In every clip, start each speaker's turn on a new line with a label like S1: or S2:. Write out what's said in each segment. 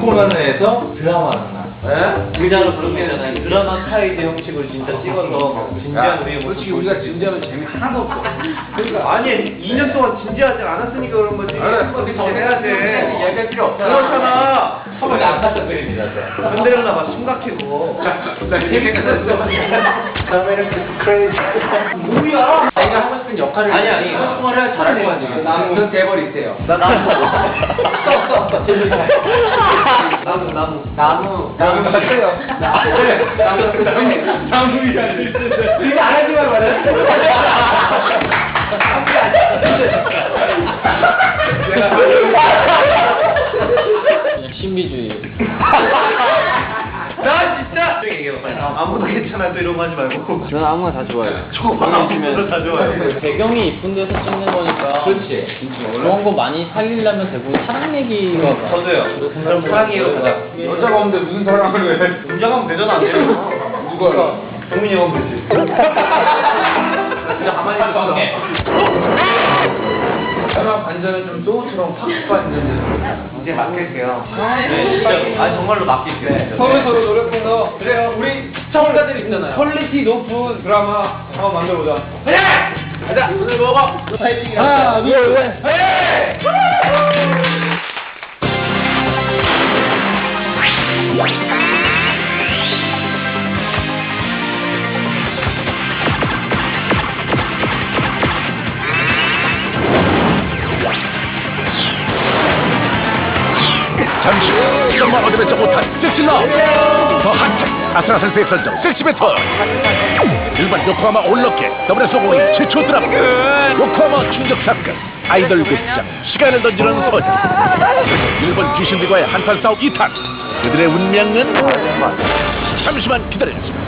S1: 코너에서 드라마를 나.
S2: 의자로 그런 게 있잖아요. 드라마 스타일 형식으로 진짜 찍어서 진지한 의욕을.
S1: 솔직히 우리가 진지하면 재미 하나도 없어.
S3: 그러니까 아니 2년 동안 진지하지 않았으니까 그런 거지.
S1: 그래,
S3: 더 해야지.
S1: 얘기할 필요 없잖아.
S3: 그렇잖아.
S2: 한번 안탔던 그림이다.
S3: 흔들려나 봐 숨각히고.
S1: 나 재밌겠어. 다음에는 크레이지.
S3: 뭐야?
S1: 내가 하고 싶은 역할을
S2: 아니 소통을 잘할 거 아니에요.
S1: 나무는 대벌이 있대요.
S2: 나 나무. 나무.
S1: 나무 맞아요. 나무이 안 돼.
S3: 이거 안 하지만 말이야.
S2: 신비주의.
S3: 나 진짜. 아무도 괜찮아 또 이런 거 하지 말고.
S2: 저는 아무나 다 좋아요.
S3: 아무도 다 좋아요.
S2: 배경이 이쁜 데서 찍는 거니까.
S1: 그렇지.
S2: 그런 거 많이 살리려면 대부분 사랑 얘기가.
S3: 저도요. 그럼 사랑이에요.
S1: 여자가 없는데 무슨 사랑을 해?
S3: 문제가 하면 되잖아. 안 되면.
S1: 누가?
S3: 동민이 형 되지. 진짜 가만히 있어.
S1: 사람 반전은 좀 소우처럼 확 반전돼서.
S3: 이제 맡길게요.
S2: 네, 진짜로. 아 정말로 맡길게요.
S1: 서로 노력해서 그래요. 우리 시청자들 있잖아요. 퀄리티 높은 드라마 한번 만들어보자.
S3: 가자. 오늘 먹어.
S1: 파이팅.
S2: 하나, 둘, 셋.
S4: 잠시 후 정말 얻어내지 못한 섹시러 더 핫한 아슬아슬 선정 섹시 배틀 일반 요코하마 올럭게 더블의 소공이 최초 드라마 요코하마 충격 사건 아이돌 극장 시간을 던지는 서재 일본 귀신들과의 한판 싸움 2탄 그들의 운명은 잠시만 기다려주세요.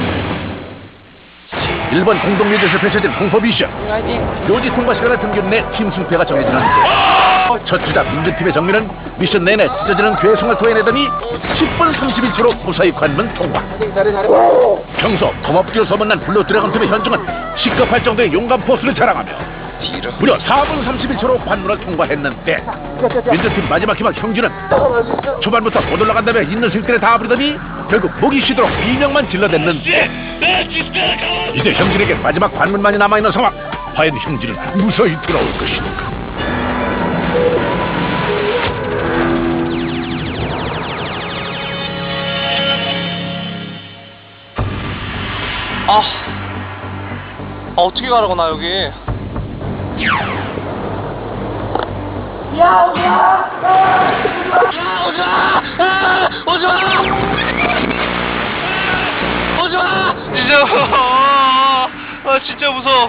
S4: 일본 공동묘지에서 펼쳐진 공포 미션 묘지 통과 시간을 평균 내 팀 승패가 정해지는데 첫 주자 민주팀의 정리는 미션 내내 찢어지는 괴성을 토해내더니 10분 31초로 무사히 관문 통과. 평소 검업기로 소문난 블루 드래곤 팀의 현중은 시급할 정도의 용감 포스를 자랑하며 무려 4분 31초로 관문을 통과했는데 민주팀 마지막 희망 형준은 초반부터 못 올라간다며 있는 실들에 다 부리더니 결국 목이 쉬도록 비명만 질러댔는데 이제 형준에게 마지막 관문만이 남아있는 상황. 과연 형준은 무사히 돌아올 것인가.
S5: 어떻게 가라고 나 여기? 오지마! 진짜 무서워.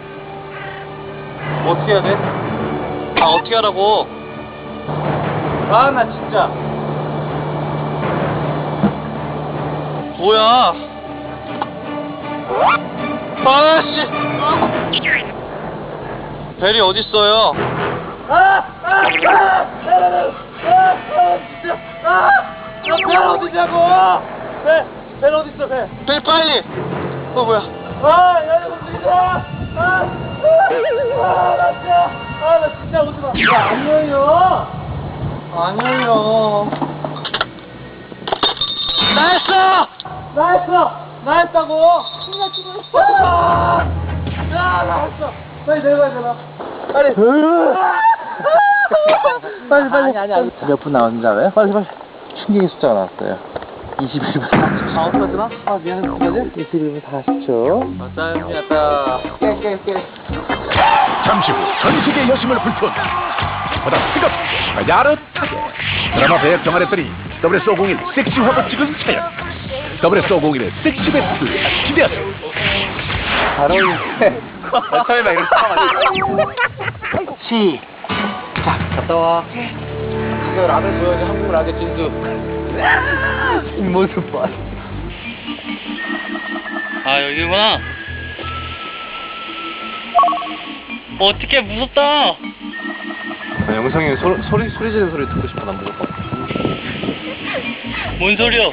S5: 어떻게 해야 돼? 어떻게 하라고? 나 진짜. 뭐야? 아씨! 벨이 어딨어요? 벨 어디냐고! 벨 어딨어, 벨? 벨 빨리! 뭐야? 야, 움직이자! 나 진짜 오지마! 야, 안 열려! 안 열려! 나 했다고! 나 했어! 빨리 내려가야 되나? 빨리! 빨리. 아니.
S2: 몇 분 나오는지 알아요? 빨리. 충격의 숫자가 나왔어요. 21분 40초.
S5: 어떡하지나? 미안해, 어떡하지?
S2: 21분 40초.
S5: 맞다.
S2: 깨.
S4: 잠시 후 전세계 여심을 불태운다. 보다 뜨겁게 야릇하게 드라마 배역 정하랬더니 WS501 섹시화보 찍은 사연 WS501의 섹시 배틀 기대하세요.
S2: 잘 어울리네.
S5: 설마 이렇게 싸워가지고.
S2: 시작. 갔다 와. 이거 라면 줘야지. 한국 라면 진수. 이 모습 봐.
S5: 여기구나. 어떡해, 무섭다.
S3: 영상에 소리 지르는 소리 듣고 싶어. 난 무조건.
S5: 뭔 소리야?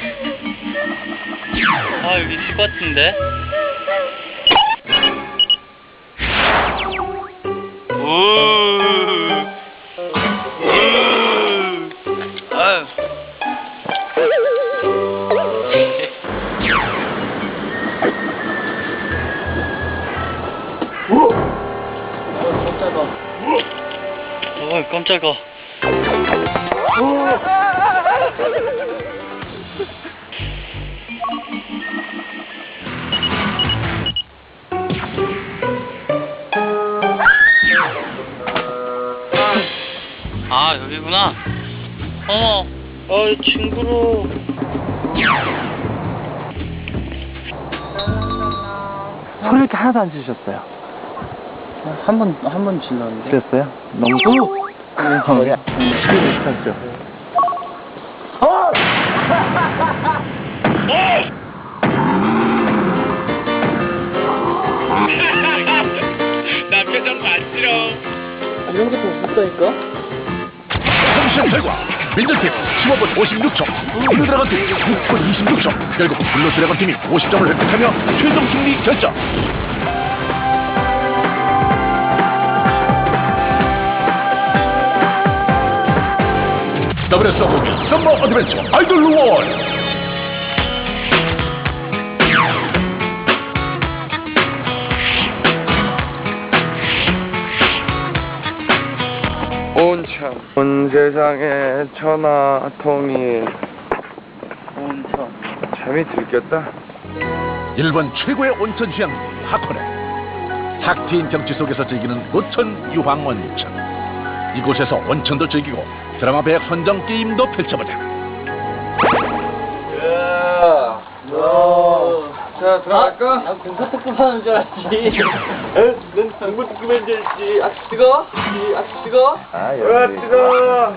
S5: 여기 집 같은데?
S3: 어이, 깜짝아. 아, 여기구나. 어머, 징그러워.
S2: 소리 이렇게 하나도 안 지르셨어요.
S5: 한 번 질렀는데.
S2: 그랬어요? 너무 머리야. 비슷하죠.
S4: 나 표정 봤지롱.
S5: 이런 게 더 무섭다니까?
S4: 시험 결과 민들팀 15분 56초, 블루 드래곤 팀 6분 26초. 결국 블루 드래곤 팀이 50점을 획득하며 최종 승리 결정. WSOP 썸머 어드벤처 아이돌 원.
S2: 온천. 온 세상에 천하통일.
S5: 온천.
S2: 잠이 들겠다.
S4: 일본 최고의 온천 휴양지 하코네. 탁 트인 경치 속에서 즐기는 노천 유황 온천. 이곳에서 온천도 즐기고 드라마 배역 선정 게임도 펼쳐보자.
S2: 자, 들어갈까?
S5: 난 공사특급 하는 줄 알았지.
S2: 넌 정보특급인 줄 알지. 아, 뜨거? 아, 뜨거? 아, 여기. 뜨거?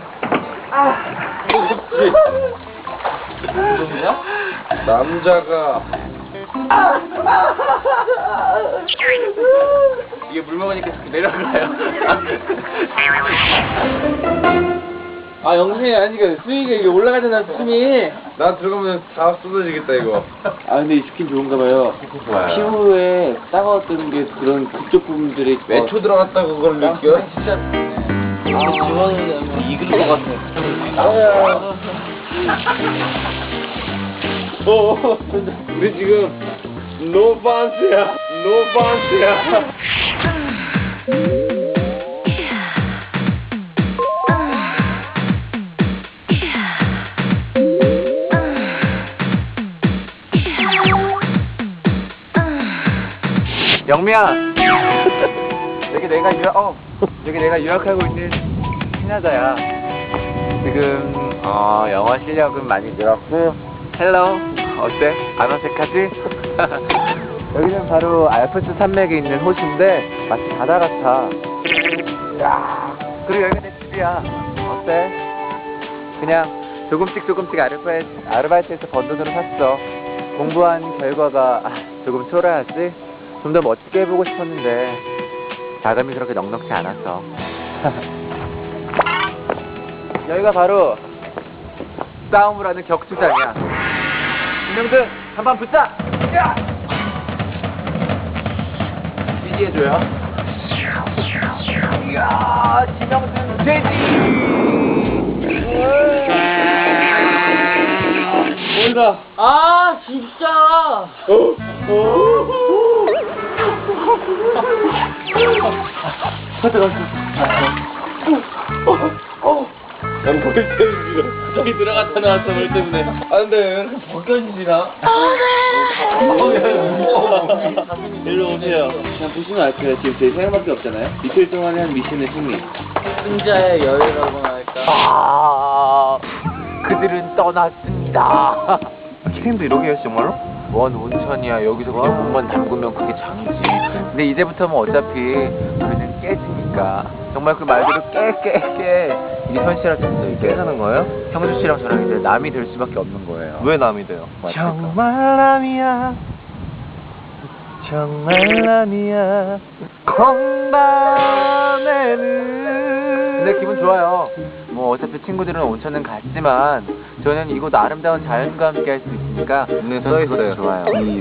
S5: 누구냐?
S2: 남자가.
S5: 이게 물 먹으니까 자꾸 내려가요. 아, 영생이 아니니까 수익이 이게 올라가잖아, 숨이.
S2: 나 들어가면 다 쏟아지겠다, 이거.
S5: 아, 근데 이 스킨 좋은가 봐요.
S2: 좋아요.
S5: 피부에 따가웠던 게 그런 그쪽 부분들이
S2: 몇 초 들어갔다고 그걸 느껴?
S5: 진짜. 아, 집어넣으면 익을 것 같아.
S2: 우리 지금 노 반스야. 노 반스야.
S6: 영미야, 여기 내가 유학하고 있는 캐나다야. 지금 영어 실력은 많이 늘었고. 헬로, 어때? 안 어색하지? 여기는 바로 알프스 산맥에 있는 호수인데 마치 바다 같아. 야, 그리고 여기가 내 집이야. 어때? 그냥 조금씩 아르바이트해서 번 돈으로 샀어. 공부한 결과가 조금 초라하지? 좀 더 멋지게 해보고 싶었는데 자금이 그렇게 넉넉지 않았어. 여기가 바로 싸움을 하는 격투장이야. 김명준, 한판 붙자! 지지해줘요. 이야, 김명준 돼지!
S5: 뭔가. 아, 진짜!
S2: 난 볼 때문에
S5: 저기 들어갔다 나왔어, 물 때문에.
S2: 안 돼.
S5: 벗겨지나? 일로 오세요. 그냥 보시면 알 거예요. 지금 저희 세 명밖에 없잖아요. 이틀 동안에 한 미션의 승리. 승자의 여유라고나 할까?
S6: 그들은 떠났습니다. 게임도 이러게 했어, 정말로? 뭔 온천이야. 여기서 그냥 몸만 담그면 그게 장이지. 근데 이제부터는 어차피 그는 깨지니까. 정말 그 말대로 깨. 이게 현실화됐어. 이게 깨는 거예요? 형주 씨랑 저랑 이제 남이 될 수밖에 없는 거예요. 왜 남이 돼요? 정말 남이야. 건반에는. 근데 기분 좋아요. 뭐 어차피 친구들은 온천은 갔지만 저는 이곳 아름다운 자연과 함께 할 수 있으니까 눈에 써있어요. 좋아요.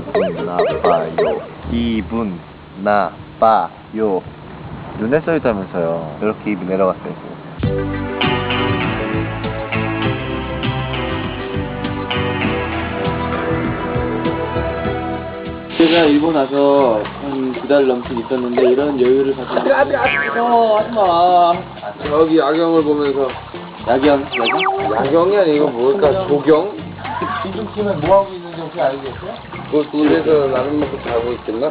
S6: 기분 나빠요. 눈에 써있다면서요. 이렇게 입이 내려갔어요.
S5: 제가 일본 와서 한 2달 넘게 있었는데 이런 여유를 가지고 하지마.
S2: 저기 야경을 보면서.
S5: 야경?
S2: 야경이 아니고 뭘까? 조경?
S5: 이중팀은 뭐 하고 있는지 혹시 알겠어요?
S2: 그 둘이서 라면 먹고 자고 있겠나?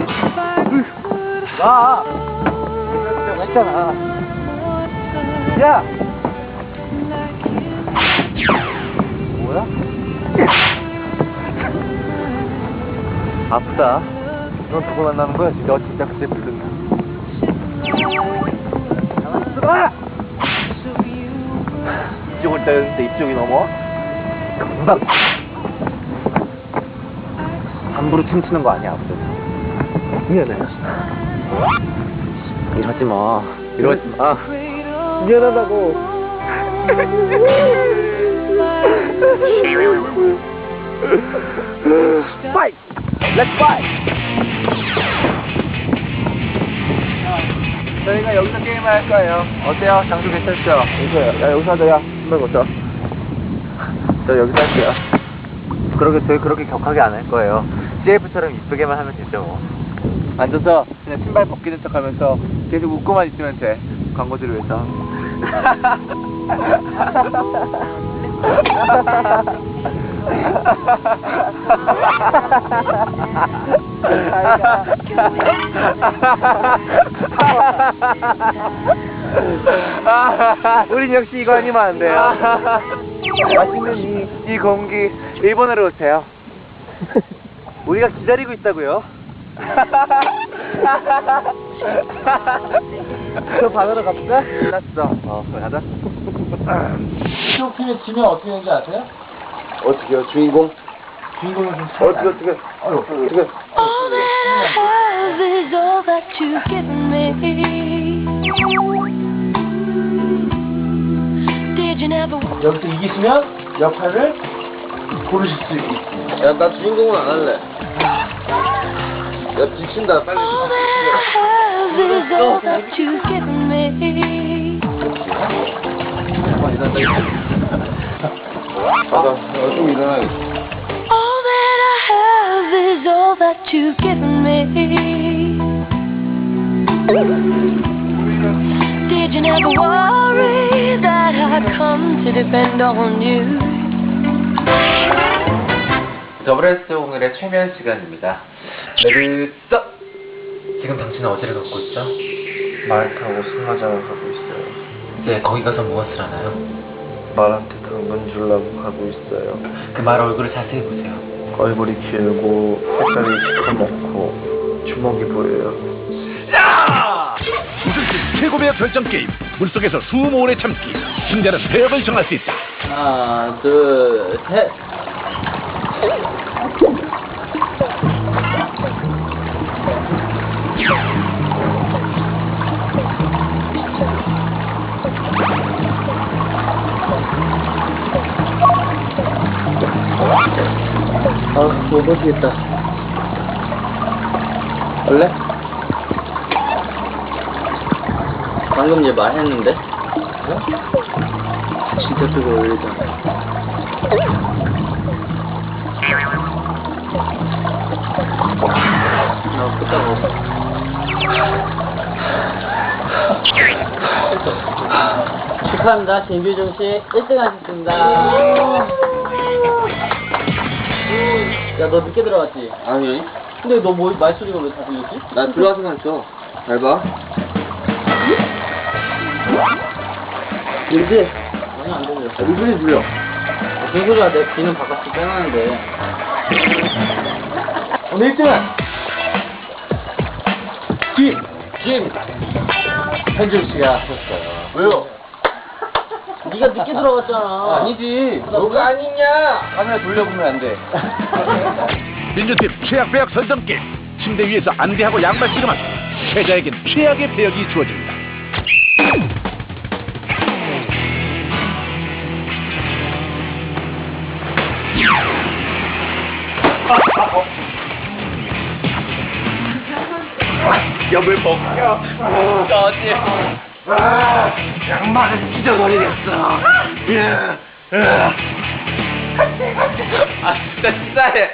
S6: 나! 했잖아. 야! 뭐야? 아프다. 넌 누구 만나는 거야? 너 진짜 그때 부른다. 가만있어! 이쪽을 때렸는데 이쪽이 넘어? 금방! 함부로 춤추는 거 아니야, 아무튼. 미안해. 이러지 마. 이러지 마. 미안하다고. 파이트! 렛츠 파이트! 저희가 여기서 게임을 할 거예요. 어때요? 장소 괜찮죠? 여기서요. 야, 여기서 하자, 야. 신발 벗어. 저 여기서 할게요. 저희 그렇게 격하게 안 할 거예요. CF처럼 이쁘게만 하면 되죠, 뭐. 앉아서 그냥 신발 벗기는 척 하면서 계속 웃고만 있으면 돼. 광고들을 위해서. 우린 역시 이거 아니면 안 돼요. 맛있는 이 공기 일본으로 오세요. 우리가 기다리고 있다고요. 저 반으로 갑시다. 끝났어. 그럼 가자.
S5: 이쪽 팀이 지면 어떻게 되는지 아세요?
S2: 어떻게요? 주인공?
S5: 주인공은 좀
S2: 어떻게? 어떻게?
S3: All that I have is all that you've given me. Did you never
S5: 여기서 이기시면 역할을 고르실 수 있습니다.
S2: 야, 나 주인공은 안 할래. 야, 지친다. 빨리.
S3: All that I have is all that you've given me.
S2: 좀 일어나야겠다.
S3: All that I have is all that you've given me. Did you never worry that I'd come to depend on you?
S6: 더블S 오늘의 최면 시간입니다. 메르써! 지금 당신은 어디를 걷고 있죠?
S2: 말 타고 승마장을 가고 있어요.
S6: 네, 거기 가서 무엇을 하나요?
S2: 말한테 당근 주려고 가고 있어요.
S6: 그 말 얼굴을 자세히 보세요.
S2: 얼굴이 길고 색깔이 시커멓고 주먹이 보여요.
S4: 우승팀 최고배역 결정 게임. 물속에서 수모 오래 참기. 승자는 배역을 정할 수 있다.
S5: 하나, 둘, 셋. 못 버티겠다. 원래? 방금 얘 말했는데? 진짜 그거 올리잖아. 나 그따가 축하합니다. 김규중 씨 1등 하셨습니다. 야, 너 늦게 들어갔지?
S2: 아니,
S5: 근데 너 뭐 말소리가 왜 다 들렸지?
S2: 나 들어와서만 했어. 잘 봐.
S5: 들리지? 아니, 안 들려.
S2: 무슨 소리 들려?
S5: 무슨 소리야? 내 귀는 바깥으로 빼놨는데. 오늘 1등은 김 현중 씨가 하셨어요.
S2: 왜요?
S5: 네가 늦게 들어갔잖아.
S2: 아니지. 너가 아니냐? 카메라 돌려보면 안 돼.
S4: 민주팀 최악 배역 선정 게임. 침대 위에서 안대하고 양말 씨름한 패자에겐 최악의 배역이 주어집니다.
S2: 염을 벗겨. 너지. 양말을 찢어버리겠어.
S5: 진짜 치사해.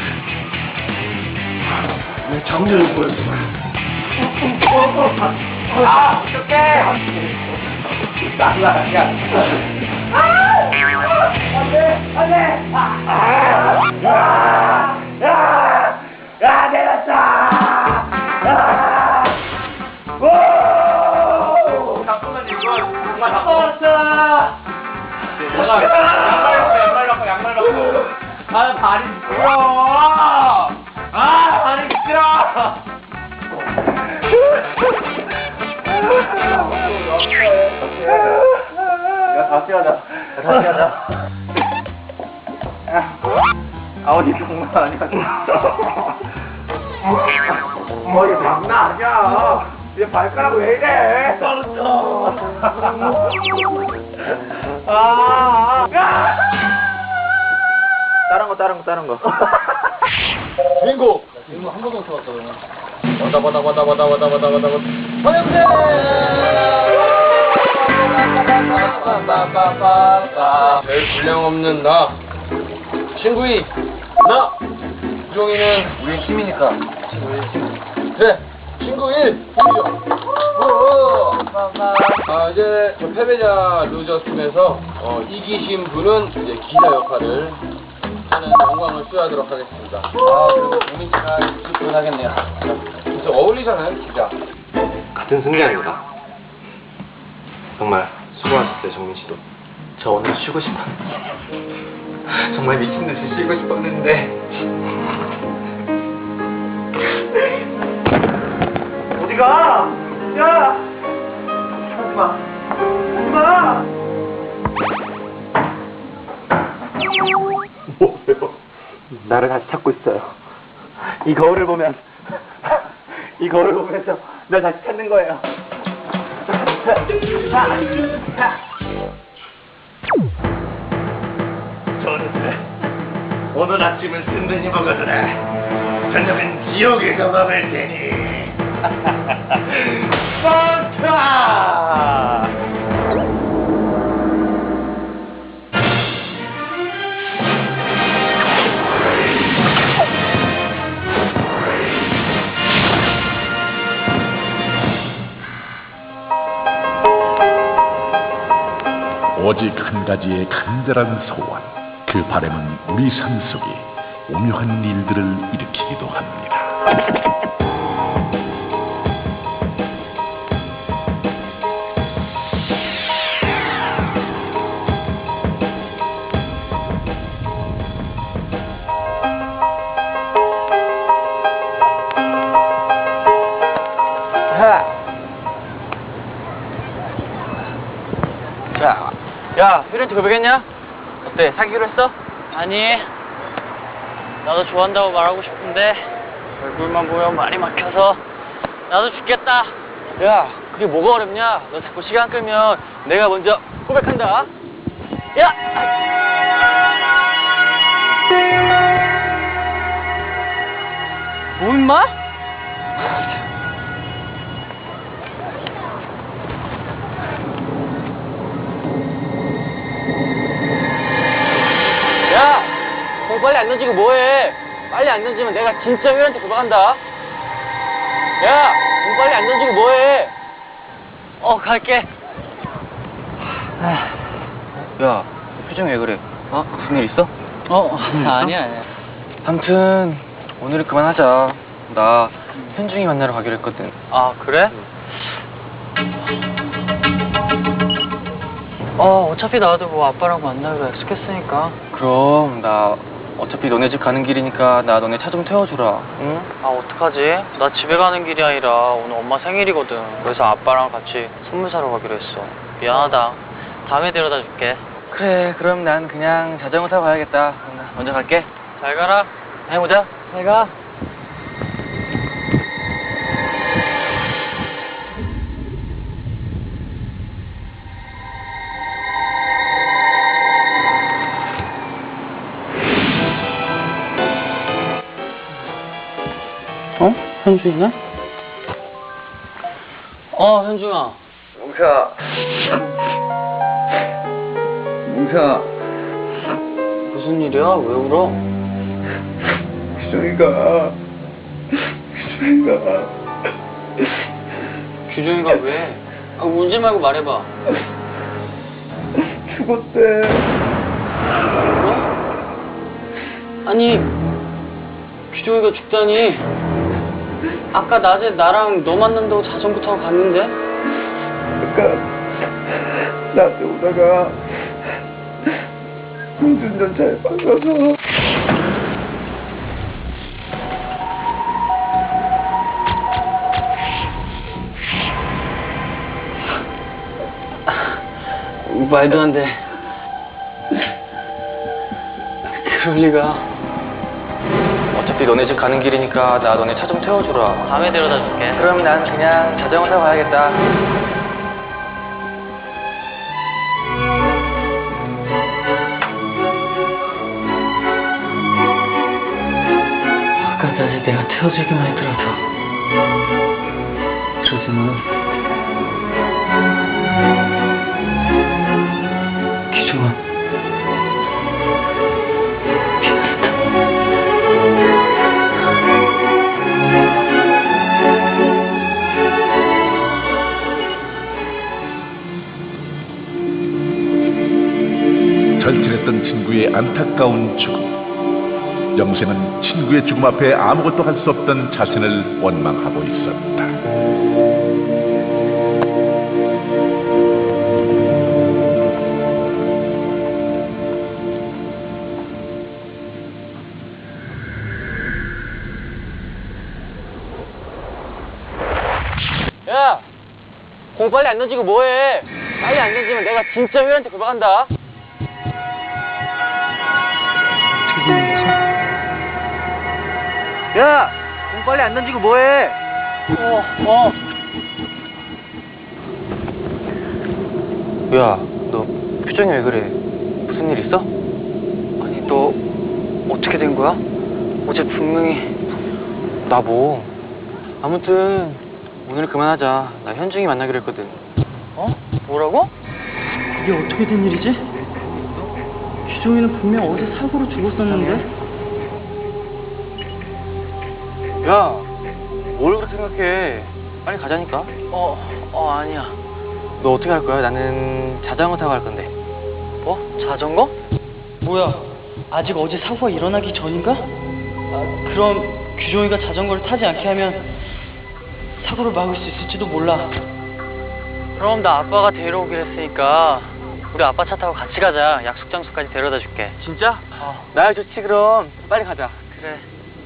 S2: 내 정렬을 보여줘.
S5: 어떡해.
S1: 양말 벗고. 아, 발이 미끄러워. 아, 발이 미끄러워.
S5: 야, 다시 하자. 어디 장난 아니야.
S1: 머리 장난 아니야. 얘 발가락 왜 이래? 떨어져.
S5: 다른 거.
S1: 빙고 한 번도 못 쳐봤다 와다 화염대 제일 분량 없는 나 친구이 나 우종이는
S5: 우리 힘이니까.
S1: 그래 친구 1 이제 저 패배자 루저 팀에서 이기신 분은 이제 기자 역할을 하는 영광을 수여하도록 하겠습니다. 그리고 종민 씨가 이기분 하겠네요. 진짜 어울리잖아요, 기자.
S2: 같은 승리입니다. 정말 수고하셨어요, 정민 씨도. 저 오늘 쉬고 싶었는데 정말 미친 듯이 쉬고 싶었는데 어디가? 야! 하지마. 하지마. 뭐예요? 나를 다시 찾고 있어요. 이 거울을 보면서 날 다시 찾는 거예요.
S4: 좋은데 오늘 아침은 든든히 먹어두라. 저녁은 지옥에 가봐볼 테니.
S2: 뻥카!
S4: 오직 한 가지의 간절한 소원. 그 바람은 우리 삶 속에 오묘한 일들을 일으키기도 합니다.
S6: 야, 휘른한테 고백했냐? 어때, 사귀기로 했어? 아니, 나도 좋아한다고 말하고 싶은데 얼굴만 보면 말이 막혀서 나도 죽겠다. 야, 그게 뭐가 어렵냐? 너 자꾸 시간 끌면 내가 먼저 고백한다. 야! 뭐 임마? 야! 공 빨리 안 던지고 뭐해? 빨리 안 던지면 내가 진짜 휘한테 고백한다. 야! 공 빨리 안 던지고 뭐해? 갈게. 야, 표정이 왜 그래? 무슨 일 있어? 아니야. 아무튼 오늘은 그만하자. 나 현중이 만나러 가기로 했거든. 아, 그래? 어차피 나도 뭐 아빠랑 만나기로 약속했으니까. 그럼 나 어차피 너네 집 가는 길이니까 나 너네 차 좀 태워주라. 응? 어떡하지? 나 집에 가는 길이 아니라 오늘 엄마 생일이거든. 그래서 아빠랑 같이 선물 사러 가기로 했어. 미안하다. 다음에 데려다 줄게. 그래, 그럼 난 그냥 자전거 타고 가야겠다. 나 먼저 갈게. 잘 가라. 다음에 보자. 잘 가. 현중이네? 현중아. 뭉사. 무슨 일이야? 왜 울어? 규정이가 왜? 울지 말고 말해봐.
S2: 죽었대.
S5: 아니, 규종이가 죽다니. 아까 낮에 나랑 너 만난다고 자전거 타고 갔는데?
S2: 아까 나한테 오다가 운전자에 박아서.
S5: 말도 안 돼. 그럴 리가.
S6: 어차피 너네 집 가는 길이니까 나 너네 차 좀 태워주라.
S5: 밤에 데려다 줄게.
S6: 그럼 난 그냥 자전거 타고 가야겠다.
S5: 아까 낮에 내가 태워주기만 했더라도 그러지만 기종아
S4: 절친했던 친구의 안타까운 죽음. 영생은 친구의 죽음 앞에 아무것도 할 수 없던 자신을 원망하고 있었다.
S5: 야! 공 빨리 안 던지고 뭐해? 빨리 안 던지면 내가 진짜 회원한테 고백한다.
S6: 야! 공 빨리 안 던지고 뭐해? 야, 너 표정이 왜 그래? 무슨 일 있어? 아니, 너 어떻게 된 거야? 어제 분명히 나 뭐? 아무튼 오늘 그만하자. 나 현중이 만나기로 했거든.
S5: 어? 뭐라고? 이게 어떻게 된 일이지? 기종이는 분명 어제 사고로 죽었었는데?
S6: 야, 뭘 그렇게 생각해? 빨리 가자니까.
S5: 아니야.
S6: 너 어떻게 할 거야? 나는 자전거 타고 갈 건데.
S5: 뭐? 자전거? 뭐야? 아직 어제 사고가 일어나기 전인가? 그럼 규종이가 자전거를 타지 않게 하면 사고를 막을 수 있을지도 몰라. 그럼 나 아빠가 데려오기로 했으니까 우리 아빠 차 타고 같이 가자. 약속 장소까지 데려다 줄게.
S6: 진짜? 나야 좋지 그럼. 빨리 가자.
S5: 그래.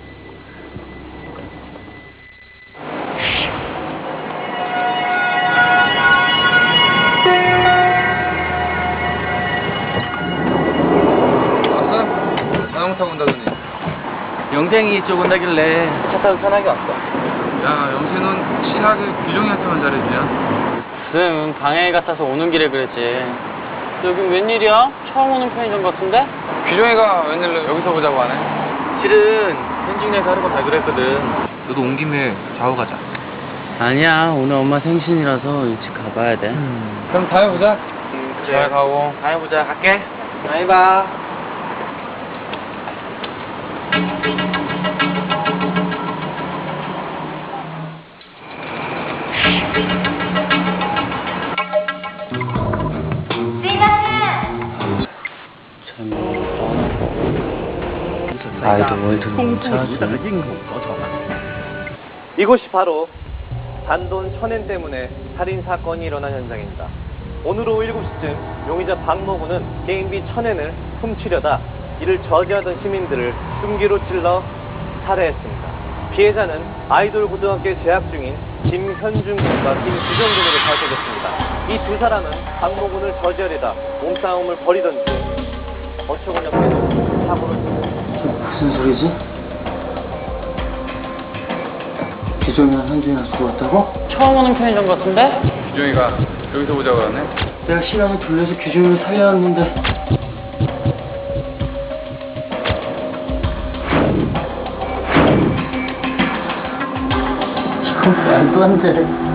S1: 자전거 타고 온다더니.
S6: 영생이 이쪽 온다길래 차 타고 편하게 왔어.
S1: 야, 영세는 친하게 규종이한테만 잘해주냐?
S5: 쌤 방해 같아서 오는 길에 그랬지. 여기 웬일이야? 처음 오는 편의점 같은데?
S1: 규종이가 웬일로 여기서 보자고 하네?
S6: 실은 현중이한테 하루가 가기로 했거든. 너도 온 김에 좌우 가자.
S5: 아니야, 오늘 엄마 생신이라서 일찍 가봐야 돼.
S1: 그럼 다음에 보자.
S6: 그래.
S1: 잘 가고.
S6: 다음에 보자. 갈게. 다음에 봐.
S5: 아이돌 월드로 찾아.
S7: 이곳이 바로 단돈 1000엔 때문에 살인 사건이 일어난 현장입니다. 오늘 오후 7시쯤 용의자 박모군은 게임비 1000엔을 훔치려다 이를 저지하던 시민들을 흉기로 찔러 살해했습니다. 피해자는 아이돌 고등학교에 재학 중인 김현중 군과 김규정 군으로 밝혀졌습니다. 이 두 사람은 박모군을 저지하려다 몸싸움을 벌이던 중 어처구니 없게도 사고를
S5: 무슨 소리지? 기종이랑 현중이랑 죽었다고? 처음 오는 편의점 같은데?
S1: 규종이가 여기서 보자고 하네?
S5: 내가 시간을 돌려서 규종이를 살려왔는데. 이건 말도 안 돼.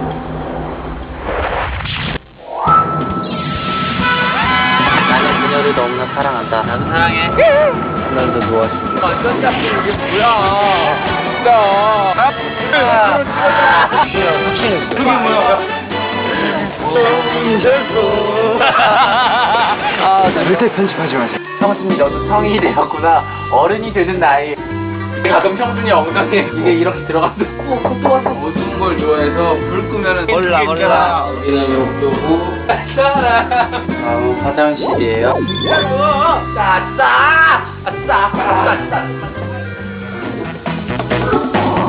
S5: 나는 그녀를 너무나 사랑한다. 나도 사랑해.
S6: 난 너 좋아하시고.
S1: 완전 잡힌 이게 뭐야? 진짜.
S6: 확실히.
S1: 그게 뭐야?
S2: 절대 편집하지 마세요. 형수님 저도 성인이 되었구나. 어른이 되는 나이. 가끔 형준이 엉덩이에 이게 이렇게 들어가도
S1: 모든 걸 좋아해서 불 끄면은
S2: 몰라.
S1: 그다음에 옥도부
S2: 아우 화장실이에요.
S6: 싸!